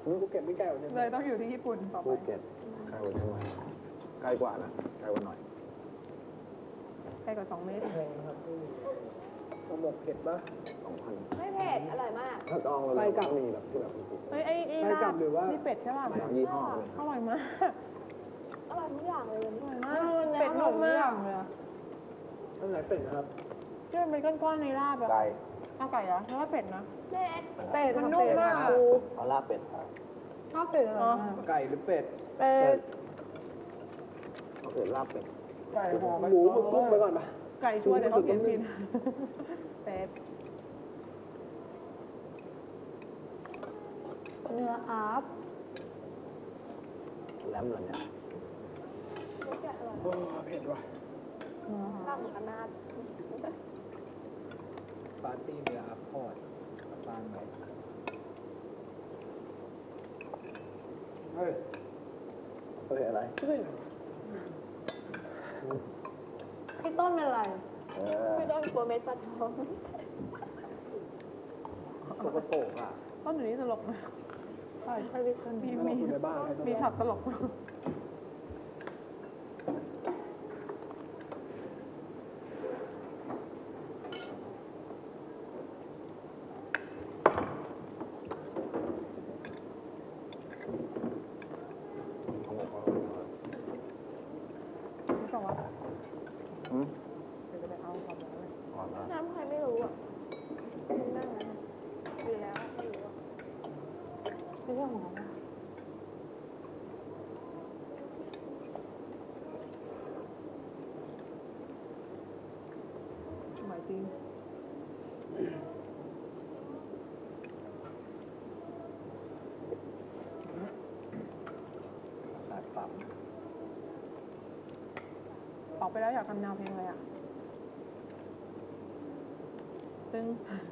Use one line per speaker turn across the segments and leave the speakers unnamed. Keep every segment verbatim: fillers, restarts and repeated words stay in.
ภูเก็ตไม่ไกลกว่าเชียงใหม่
เลยต้องอยู่ที่ญี่ปุ่นต่อไป
ภูเก็ตไกลกว่าเชียงใหม่ใกล้กว่านะไกลกว่าหน่อย
ใกล้กว่าสองเมตร
แพงครับข้าวหมกเผ็ดปะ
สองพัน
ไม่เผ็ดอร่อยมาก
ถ้าจองเราก็มีแบบที่แบบ
เฮ้ยไอ้ไอ้ลาบนี่เป็ดใช่ป่ะ
ยี่ห้อเลย
อร่อยมาก
อร่อยทุกอย่างเลยวันนี้อร่อยมาก
เป็ดนุ่มมากเลย
อันไหนเป็ดนะครับ
ที่มันเป็นก้อนๆในลาบอะ
ไก่
ข้าวไก่เหรอเพราะว่าเป็ดนะ
เป็ด
เป็ดมันนุ่มมาก
เอาลาบเป็ด
ข้าวเป็ดเหรอ
ไก่หรือเป็ด
เป็ด
เอาเป็ดลาบเป็ด
ไก่หอมหมูหมึกกุ้งไปก่อนปะ
ไก่ชัวร์แต่เขาเขียนผิดเป็ดเนื้ออาร์ฟ
แหลมเหรอเนี่ย
โอ้เผ็ดว่ะ
ลาบหมูกระนาด
ปาร์ตี้เนื้ออัพพอร์ตกับปานไหมเฮ้ย
เฮ้ยอะไร
พี่ต้นเป็นอะไรพี่ต้นกลัวเม็ดปลาทอง
สกปรกอ่ะ
ต้นอยู่นี่ตลกนะใช่ใช่พี่ต้นมีมีมีช็อตตลก
น้ำใครไม่รู้อ่ะนั่งนะดีแล้วไม่รู้ไม่ใช่หอม
หมายจริง
ขาดปั๊ม
ออกไปแล้วอยากทำแนวเพลงอะไรอ่ะซึ่ง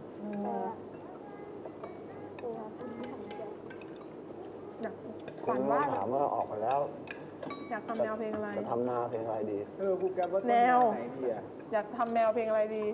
อยากฝันว่า
ถามว่าออกไปแล้ว
อยากทำแนวเพลงอะไร
จะทำแนวเพลงอะไรดี
เออครูแกว่า
แนว
ไหนดีอ่ะ
อยากทำแนวเพลงอะไรดี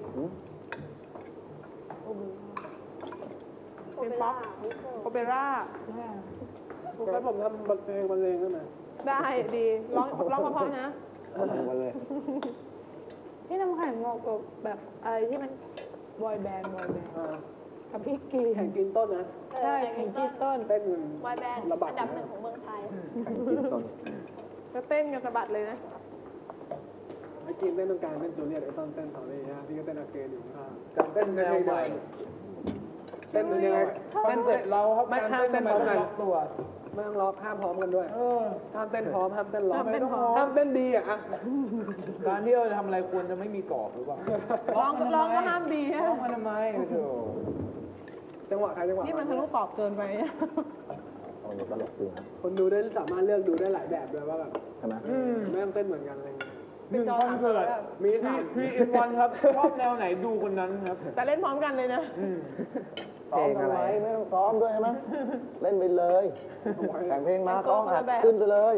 เป็นป๊อปโอเปร่า
ครูแกผมทำเพลงบรรเลงได้ไหม
ได้ดีร้องร้องเพราะๆนะ
ทำมาเลย
พี่น้ำแข็งเหมาะกับแบบอะไรที่มันบอยแบนด์บอยแบนด์กับพี่กี
แข่งกินต้นนะ
ใช่แข่งกินต้น
เต้น
บอยแบนด์อันดับหนึ่งของเมืองไทย
แข่งกินต้น
ก็เต้นกันสะบัดเลยนะ
ไอ้กินเต้นตรงกลางเต้นจูเลียตไอ้ต้นเต้นสองนี่ฮะพี่ก็เต้นอาเกนอยู่ข้างการเต้นในเพลงใหม่เต้นยังไงเต้นเสร็จเราครับไม่ห้ามเต้นพร้อมกันตัวไม่ต้องล็อกห้ามพร้อมกันด้วยห้ามเต้นพร้อมห้ามเต้นล็อกห้ามเต้นดีอ่ะการที่เราจะทำอะไรควรจะไม่มีกรอบหรือเปล่า
ร้องร้องก็ห้ามดีฮะ
ร้องมาทำไมโธ่จังหวะใครจังหวะ
นี่มันทะลุกรอบเกินไป
เอาตลกจริงครับ
คนดูได้สามารถเลือกดูได้หลายแบบด้วยว่าแบบ
ใช่ไหม
ไม่ต้องเต้นเหมือนกันอะไรเงี้ย
หนึ่งคอนเสิร์ต
มีสาม
พีอินวันครับชอบแนวไหนดูคนนั้นครับ
แต่เล่นพร้อมกันเลยนะ
ซ้อมทำไมไม่ต้องซ้อมด้วยใช่ไหมเล่นไปเลยแต่งเพลงมาก็อัดขึ้นไปเลย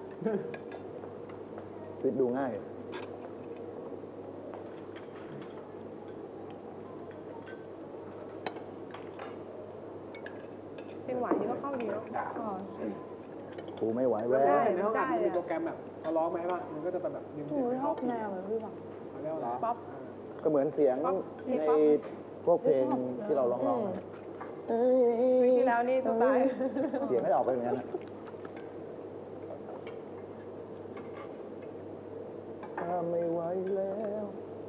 ชีวิตดูง่าย
เพลงหวานนี่ก็เข้าดีแล้ว
ครูไม่ไหวแว่
ในห้องอัดมีโปรแกรมแบบเขาร้องไหมป่ะมันก็จะเป็นแบบ
หนูชอบแนวเหมือนพี่บอก
ป๊อป
ก็เหมือนเสียงในพวกเพลงที่เราร้อง
ๆที่แล้วนี่ตัวตาย
เสียงไม่ออกไปเหมือนกันถ้าไม่ไหวแล้ว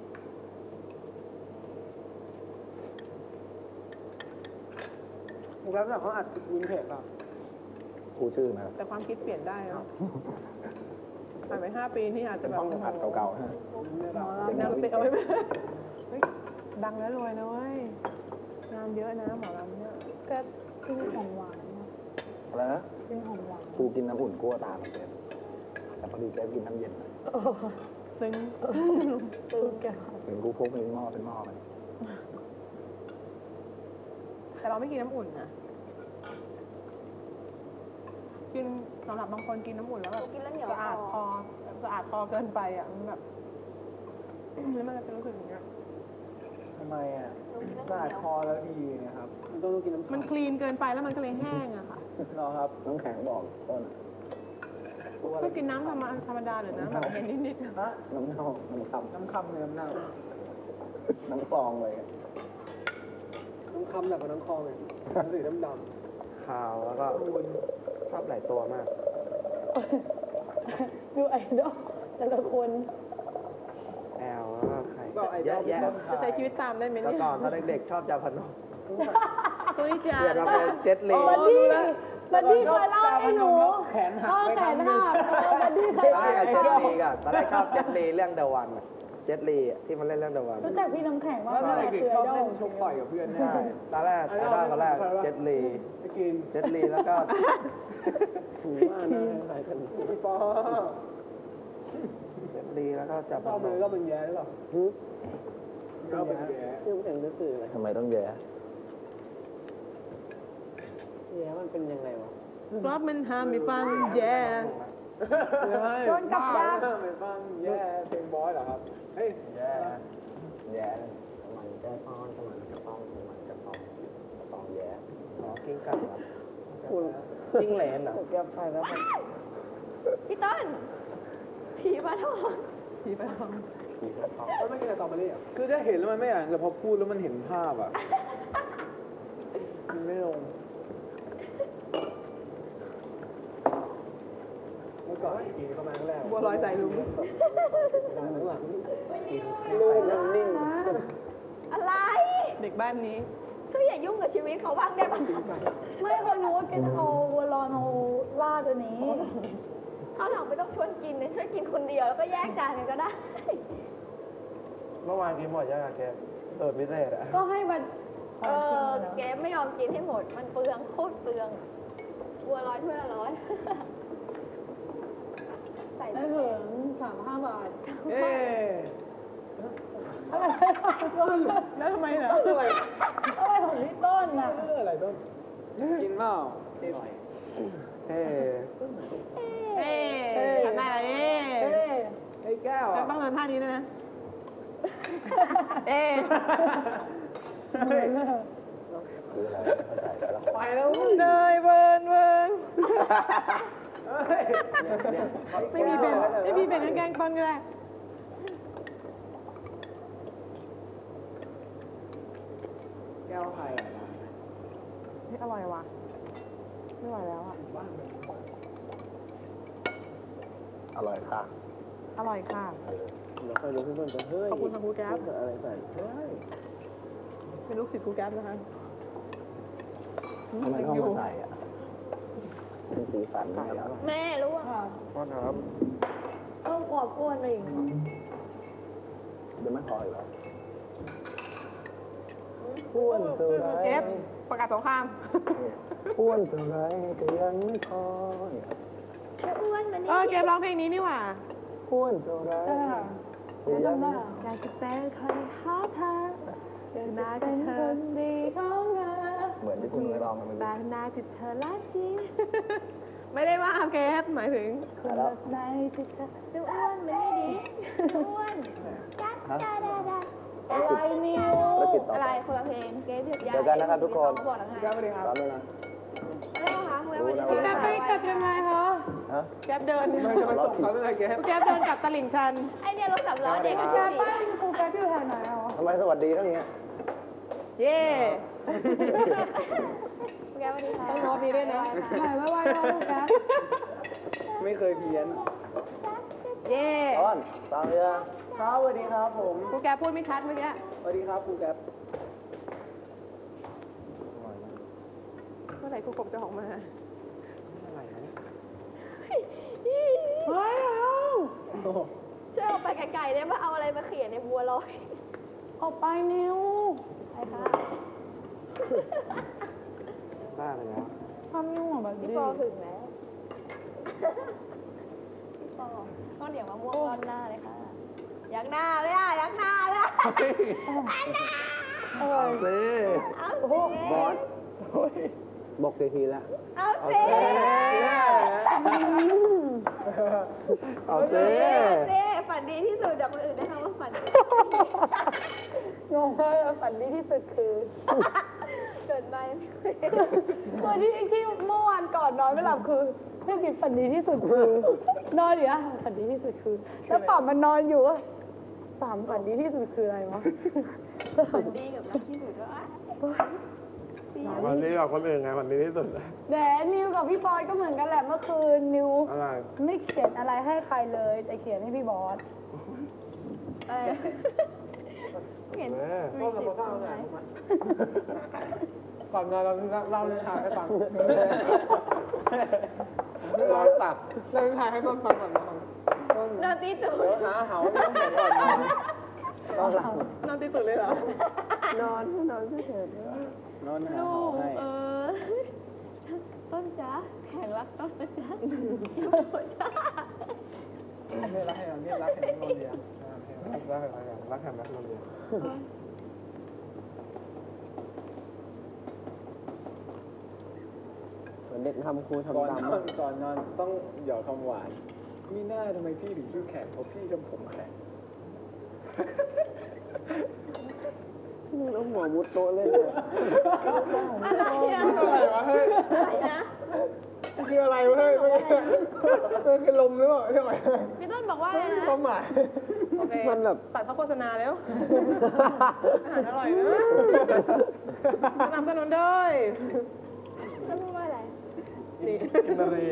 โปรแกรมแบบเขาอัดวินเทจป่ะ
ครูชื่อนะ
แต่ความคิดเปลี่ยนได้เนาะผ่านไปห้าปีนี่อาจจะแบบ
ต้องอัดเก่าๆฮะ
เป็นนักเตะเอาไว้ไหมดังแล้วรวยนะเว้ยงานเยอะนะหมอลำเนี่ย
ก็กินของหวาน
อะไรนะ
กินของหวาน
ครูกินน้ำอุ่นกลัวตามันเป็นแต่พอดีแกกินน้ำเย็น
ซึ้ง
ซึ้งแก
เห็นครูพกเป็นหม้อเป็นหม้อมัน
แต่เราไม่กินน้ำอุ่นนะกินสำหรับบางคนกินน้ำอุ่นแล้วแบบสะอาดคอสะอาดคอเกินไปอ่ะมันแบบแล้วมันจะรู้สึกอย่างเงี้ย
ทำไมอ่ะสะอาดคอแล้วดีนะครับมันต้องกินน้ำ
มันคลีนเกินไปแล้วมันก็เลยแห้งอะค่ะ
รอครับ น้ำแข็งบอกต้น
ก็กินน้ำธรรมธรรมดาหรือน้ำแบบเย็นนิดๆ
น้ำเน่าน้ำคำ
น้ำคำเลยน้ำเน่า
น้ำฟองเลย
น้ำคำหนักกว่าน้ำคลองเลยน้ำสีน้ำด
ขาวแล้วก็ชอบหลายตัวมาก
ดูไอดอลแต่ละคน
แอลแล้วก็ใคร
ำก็ไอ้
เยอะแยะ
จะใช้ชีวิตตามได้ไหม
แล้ว
เนี่ย
ก่อนตอนเด็กๆชอบจาพนม
ตัวนี้จ้า
เปลี่ยนมาเป็นเจ็ตลี
บัดดี้บัดดี้เคยเล่าให้หนู
แขนหัก
พ่อ
ไป
แข
ครั้
น
งหนึ่
หั
ง
กเออบัดดี้เคยเล่า
ใช่
ให้
เจ็ต
หนู
ลีกันตอนแรกชอบเจ็ตลีเรื่องเดอะวันเจ็ตลีที่มันเล่นเรื่องเดอะวัน
รู้จักพี่น้ำแข็งว่า
แล้วตอน
แม่
เด็ก
คือ
ๆช
ไอ
อบ
ดอ
เล่
ล
นชกต่อยกับเพื่อน
ใช่ตอนแรกไอดอลตอนแรกเจ็ตลี
ไปกิน
เจ็ตลีแล้วก็
ถูว่านะใส่กัน
พี่ปอ
เจ็ตลีแล้วก็จาพ
ปอน มือ
ม
ก็เป็นแย่หรือเปล่าก็เป็นแย่
ชื่อเป็นรู้สึกทำไมต้องแย่
แย่มันเป็นยังไงวะ
รอบมันห้ามไม่ฟังแย่
โดนกับดัก
ไปฟังแย่เพลงบอยเหรอครับเฮ้ย
แย่แย่มันจะป้อนมันจะป้องมันจะป้องป้องแย่
อ๋อกิ้งก่าเหรอจิ้งเหลนเหรอ
แก้ไปแล้ว
พี่ต้น ผีมาทอง
ผีไปทอง
เขาไม่กินแต่ตอมารี่อ่ะ
คือถ้าเห็นแล้วมันไม่อ่านแต่พอพูดแล้วมันเห็นภาพอ่ะ มันไม่ลง
เมื่อก่อนกินเข้ามาครั้งแรก
บัวลอยใส่ลุง
หลังหลัง
ลูกมันนิ่ง
อะไร
เด็กบ้านนี้
ช่วยอย่ายุ่งกับชีวิตเขาบ้างได้ปะไม่เขารู้ว่าแกจะเอาวัวรอนเอาล่าตัวนี้เขาวหลังไม่ต้องชวนกินเลยช่วยกินคนเดียวแล้วก็แยกจานกันก็ได้
เมื่อวานกินหมดยังอะแกเปิดพิเศษอะ
ก็ให้มัน เออเกมไม่ยอมกินให้หมด มันเปลืองโคตรเปลืองบัวร้อยถ้วยละร้อย ใส่ได้ถึงสามห้าบาท
เอ๊ะ
แล้วทำไมเหรอ
อะไร
อะไรของพี่ต้นน่ะ
อะไรต้น
กินเปล่า
เอ๊ะ
เอ๊ะทำได้แล้วเอ๊ะ
เอ้ย
ไอ้แก้ว
แล้ว
อ่ะ
ต้องเดินท่านี้ด้วยนะ เอ๊ะ
ไปแล้ว
เนยเบิร์นเบิร์นไม่มีเป็นไม่มีเป็นแกล้งต้นก็ได้
แก้วไทยอ่ะ
นี่อร่อยว่ะไม่ไหวแล้วอ่ะ
อร่อยค่ะ
อร่อยค่ะ
เราค่อยรู้เพื่อนๆจะเฮ้ย
ขอบคุณค่ะครูแก๊ป
อะไรใส่เฮ้ย
เป็นลูกศิษย์ครูแก๊ปนะคะ
ทำไมต้องมาใส่อ่ะเป็นสีสันใหม่แล้ว
แม่รู้อ่ะ
พ่อครับ
ต้องกอบกวนอะไรอย่างเงี้ย
เดี๋ยวไม่พออีกแล้วอ้วนเท่าไร
เอฟประกาศสงคราม
อ้วนเท่าไรก็ยังไม่พอเนี่ย
จะอ้วนมัน
เอ
นี่
อเกมร้องเพลงนี้นี่หว่า
อ้วนเท่าไรก็ยังไม่
อยากจะเป็นคนหาเธอนาจะเธอดีของเธอ
เหมือนที่คุณเคยลองกันเมื่อ
แต่
กี้
นาจะเธอละจริง ไม่ได้ว่าเกฟหมายถึง
แล้ว
ในที่เธอจะอ้วนมันไม่ดีจะอ้วนจัดได้ได้ได้อะไรนิวอะไรคนละเพลงเกมหยุดยา
เจอกันนะครับทุกคน
บอกแล้วไง
แก้วสวัสดีครับ
พร้อมแล้วนะ
อะไรคะคุณวันนี้
รู้
แก
นะ
ไปกลับยังไงคะ
ฮะ
แกฟเดิน
มันจะไปส่งเขาเลยแก
แกฟเดินกลับตลิ่งชัน
ไอเนี่ยรถสามล้อเด็กก็ชอบบ้านกูแกอยู่แถวไหนอ่ะ
ทำไมสวัสดีทั้งเนี้ย
เย่
แกวันนี้ค่ะ
ต้องโน้ตนี้ด้วยนะ
ไหนว่าว่าลูกแก
ไม่เคยเพี้ยน
เย่
ต้อนตามเรือ
ครับสวัสดีครับผม
ครูแกฟพูดไม่ชัดเมื่อกี้
สวัสดีครับครูแก๊ป
เมื่อไหร่ครูกบจะออกมา
เฮ้ยช่วยออกไปไกลๆได้ไหมเอาอะไรมาเขียนในบัวลอยออกไปนิวไปค่ะ
บ้าไปแล้ว
ทำยุ่งแบบพี่ปอถึงแล้วพี่ปอต้องเดี๋ยวมาม่วงรอบหน้าเลยค่ะยักหน้าเลยอ่ะยักหน้าเลยอ่ะยักหน้า
เอาสิ
เอาสิ
บอสบอกทีแล้ว
เอาสิ
เอาสิ
เอาสิฝันดีที่สุดจากคนอื่นนะคะว่าฝันดี
งงมากฝันดีที่สุดคือ
เกิดไม่ไม่เคยคือที่ที่เมื่อวานก่อนนอนไม่หลับคือเรื่องกินฝันดีที่สุดคือนอนอยู่อะฝันดีที่สุดคือแล้วป่ามันนอนอยู่อะป่ามฝันดีที่สุดคืออะไรวะฝันดีกับรักที่สุดก็อ่ะ
วันนี้กับคนอื่นไงวันนี้ที่สุดเลย
แหนนิวกับพี่บอยก็เหมือนกันแหละเมื่อคืนนิว
อะไร
ไม่เขียนอะไรให้ใครเลยแต่เขียนให้พี่บอสอะไรเขียน
แม่
ก็สมมติว่าเอาไงก่อนนอนเราเล่าเรื่องทางให้ฟังร้อนตับเล่าเรื่องทางให้ต้นฟังก่อนนะครับ
นอนตีตูด
เดี๋ยวหาเหาไม่ต้องเขียนก่อนนอน
ต้องหลับ
นอนตีตื่นเลยเหรอ
นอนนอนเฉย
นอนหา
ลู
หอกให้
เออต้นจ้าแข่งรักต้นนะจ๊ะจ้า
นี่รักให้เรานี่รักให้เราเรียน
รักรักอะไรกันรักแฮมแม็กนนเดียว
เหมือนเด็กทำครู
ก่อน
ทำตาม
นอนก่อนนอนต้องหยอดคำหวานมีหน้าทำไมพี่ถึงชื่อแขกเพราะพี่ทำผมแขก
แล้วหัวมุดโต๊ะเล่นเลย
อะไรอะ
อะไรวะเฮ้ย
อะไรนะ
คืออะไรวะเฮ้ยมันคือลมหรือเปล่าเรียกว่า
พี่ต้นบอกว่าอะไรนะ
ความหมาย
โอเค
มันแบบ
ตัดเข้าโฆษณาแล้ว อาหารอร่อยนะสนับสนุนด้วย
ต้นพูดว่าอะไร
กินอะไร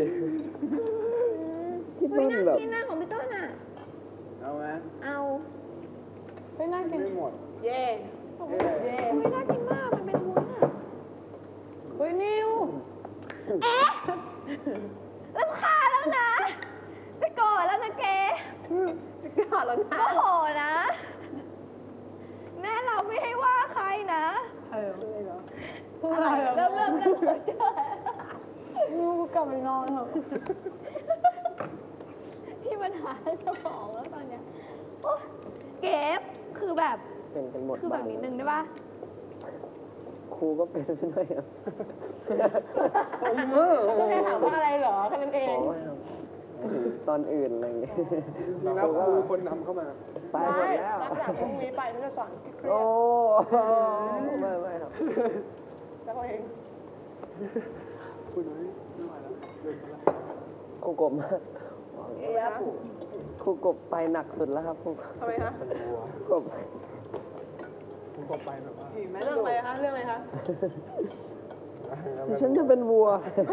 ที่
เฮ้
ต้
ย
น
น่า
แบบ
กินนะของพี่ต้นอ่ะ
เอาไหม
เอาเฮ้ยน่ากิน
ไม่หมด
เย่
เย้เฮ้ยน่ากินมากมันเป็นวุ้นอ่ะเฮ้ยนิวเอ๊ะรำคาญแล้วนะ จะโกรธแล้วนะเก
จะกล้าแล้วนะ
โมโหนะ แม่เราไม่ให้ว่าใครนะ
เออเลยเหรอ
อะไรเริ่มเริ่มเริ่มเจอลูกกลับไปนอนเถอะพี่ปัญหาสมองแล้วตอนเนี้ยโอ๊ยเก็บคือแบบ
เป็นกันหมด
คือแบบ
บ้าน
นิดนึงได้ปะ
ครูก็เป็นไปด้วยครับ
ก็แค่ถามว่าอะไรเหรอแค่นั้นเอ
ของ ไม่ครับตอนอื่นอะไรอย่างเงี้ย
จริงแล้วครูคนนำเข้ามา
ไปหมดแล้ว
หลังจากพรุ่งนี้ไปฉันจะสอนเครีย
โอ้
ด
ไม่ไม่ครับ
แล้วเขาเอง
คุณน้อยไม่ไหวแล้ว
ครูกบบอก
เอ๊ะ
ครูกบไปหนักสุดแล้วครับครู
ทำไมคะ
กบ
ผมก็ไปแบบว่า
เรื่องอะไรคะ เรื่องอะไรคะ
ดิฉันจะเป็นวัว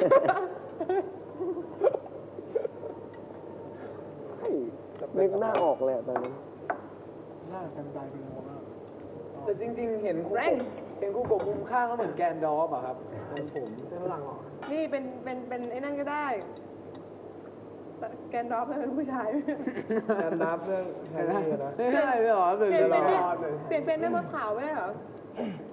เฮ้ยนึกหน้าออกเลยอะตอนนี้
หน้ากันตายเป็นหัวมาก
แต่จริง ๆ เห็นครูกบเห็นครูกบมุมข้างก็เหมือนแกนดอฟอะครับทรงผม
เป็นฝรั่งเหรอ
นี่เป็นเป็นเป็นไอ้นั่นก็ได้แต่แกนดอฟเป็นผู้ชาย
การนับเรื่องแฮร์รี่นะ
ไม่ได้เลยเหรอ
เปลี่ยน
ต
เป็น
ล
เนี่ย
อดเลย
เปลี่ยนเป็นแม่มดขาวไม่ได้เหรอ